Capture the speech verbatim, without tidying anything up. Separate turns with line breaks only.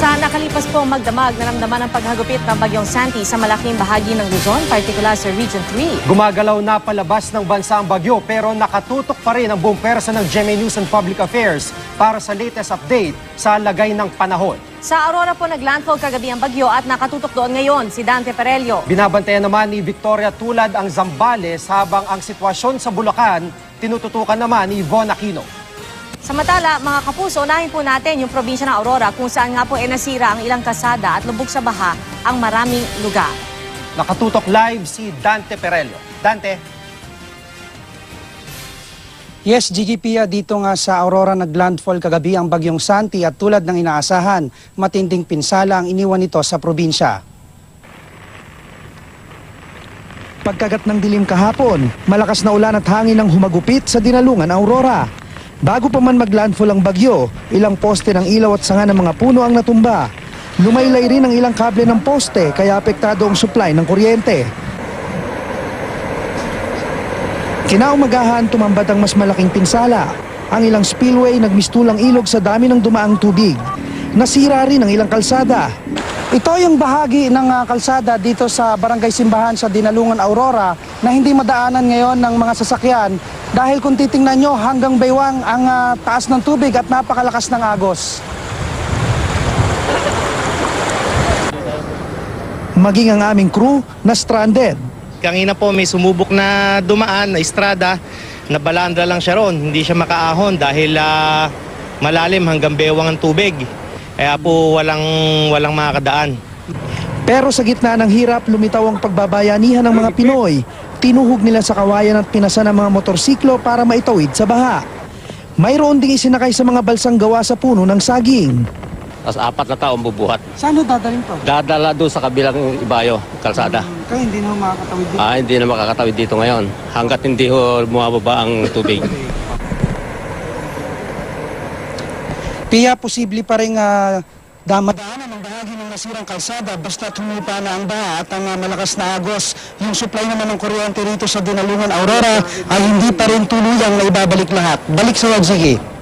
Sa nakalipas pong magdamag, naramdaman ang paghagupit ng bagyong Santi sa malaking bahagi ng Luzon, partikular sa Region three.
Gumagalaw na palabas ng bansa ang bagyo pero nakatutok pa rin ang buong pwersa ng G M A News and Public Affairs para sa latest update sa lagay ng panahon.
Sa Aurora po naglandfall kagabi ang bagyo at nakatutok doon ngayon si Dante Perello.
Binabantayan naman ni Victoria Tulad ang Zambales habang ang sitwasyon sa Bulacan tinututukan naman ni Von Aquino.
Samantala, mga kapuso, unahin po natin yung probinsya ng Aurora kung saan nga po e nasira ang ilang kalsada at lubog sa baha ang maraming lugar.
Nakatutok live si Dante Perello. Dante.
Yes, Gigi Pia, dito nga sa Aurora naglandfall kagabi ang bagyong Santi at tulad ng inaasahan, matinding pinsala ang iniwan nito sa probinsya. Pagkagat ng dilim kahapon, malakas na ulan at hangin ang humagupit sa Dinalungan, Aurora. Bago pa man maglandfall ang bagyo, ilang poste ng ilaw at sanga ng mga puno ang natumba. Lumaylay rin ang ilang kable ng poste kaya apektado ang supply ng kuryente. Kinaumagahan tumambad ang mas malaking pinsala. Ang ilang spillway nagmistulang ilog sa dami ng dumaang tubig. Nasira rin ang ilang kalsada. Ito yung bahagi ng uh, kalsada dito sa Barangay Simbahan sa Dinalungan, Aurora na hindi madaanan ngayon ng mga sasakyan dahil kung titingnan nyo hanggang baywang ang uh, taas ng tubig at napakalakas ng agos. Maging ang aming crew na stranded.
Kanina po may sumubok na dumaan na estrada, nabalandra lang siya ron, hindi siya makaahon dahil uh, malalim hanggang bewang ang tubig. Kaya po walang, walang makakadaan.
Pero sa gitna ng hirap, lumitaw ang pagbabayanihan ng mga Pinoy. Tinuhog nila sa kawayan at pinasa ng mga motorsiklo para maitawid sa baha. Mayroon ding isinakay sa mga balsang gawa sa puno ng saging.
Tapos apat na taong bubuhat.
Saan ho dadalhin to?
Dadala doon sa kabilang ibayo, kalsada.
Hmm, kaya hindi na makakatawid dito?
Ah, hindi na makakatawid dito ngayon. Hanggat hindi ho bumababa ang tubig.
Pia, posible pa rin uh, damadaanan ang bahagi ng nasirang kalsada basta tumupa na ang baha at ang uh, malakas na agos. Yung supply naman ng kuryente rito sa Dinalungan, Aurora ay hindi pa rin tuluyang na ibabalik lahat. Balik sa Wagsigi.